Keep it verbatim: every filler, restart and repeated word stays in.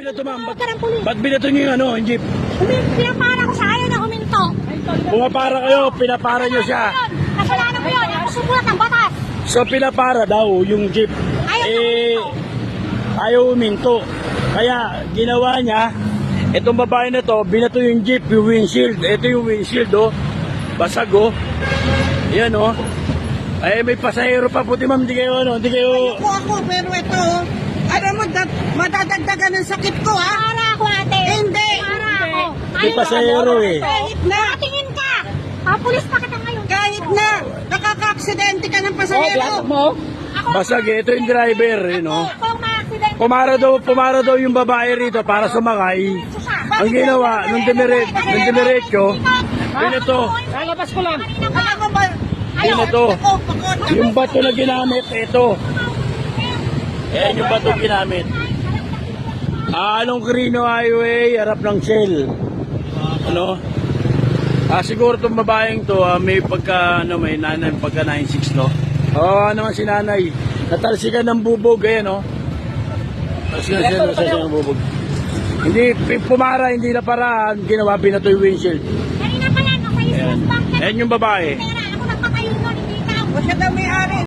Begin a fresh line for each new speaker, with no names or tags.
binato, ma'am? Ba't,
Tawag ka ng pulis.
ba't binato niyo yung ano, yung jeep?
Umin- Pinapara ko siya, ayaw na huminto.
Pumapara kayo, pinapara niyo siya.
Kasalanan ko yun, ako sumulat ng batas.
So pinapara daw yung jeep.
Ayaw na
Eh,
huminto.
ayaw uminto. Kaya ginawa niya, itong babae na to, binato yung jeep, yung windshield. Ito yung windshield, oh. Basag, oh. Yan, oh. Ay, may pasahero pa puti, ma'am. Hindi kayo, ano, hindi kayo...
Ako ako, pero ito, alam mo, dat, madadagdagan ng sakit ko, ha?
Para ako, ate.
Hindi.
Para ako.
May pasahero, eh.
Kahit na,
Tingin ka. Ah, pulis pa kita ngayon.
kahit na, nakaka-aksidente ka ng pasahero.
Ako,
Basag, eh. Ito yung driver, eh, no?
ako ang ma-accident.
Pumara daw, pumara daw yung babae rito para sumakay. Ang ginawa, nung demiret, nung demiretso, binato.
Lalabas ko lang.
Alam mo ba,
Binato.
ako, pakot.
Yung bato na ginamit, ito. Ayan yung bato ginamit. Ah, Along Quirino Highway, harap ng Shell. Ano? Ah, siguro itong babaeng to, ah, may pagka, ano, may nanay, pagka nine six, no? Oo, oh, naman si nanay. Natalsikan ng bubog, ayan, no? Natalsikan siya, natalsikan ng bubog. Hindi, pumara, hindi na paraan, ginawa, binato yung windshield.
Kanina pa yan, nasa East Coast Bank.
Ayan yung babae.
Ako nagpatayo nun, hindi ka.
O siya daw may-ari.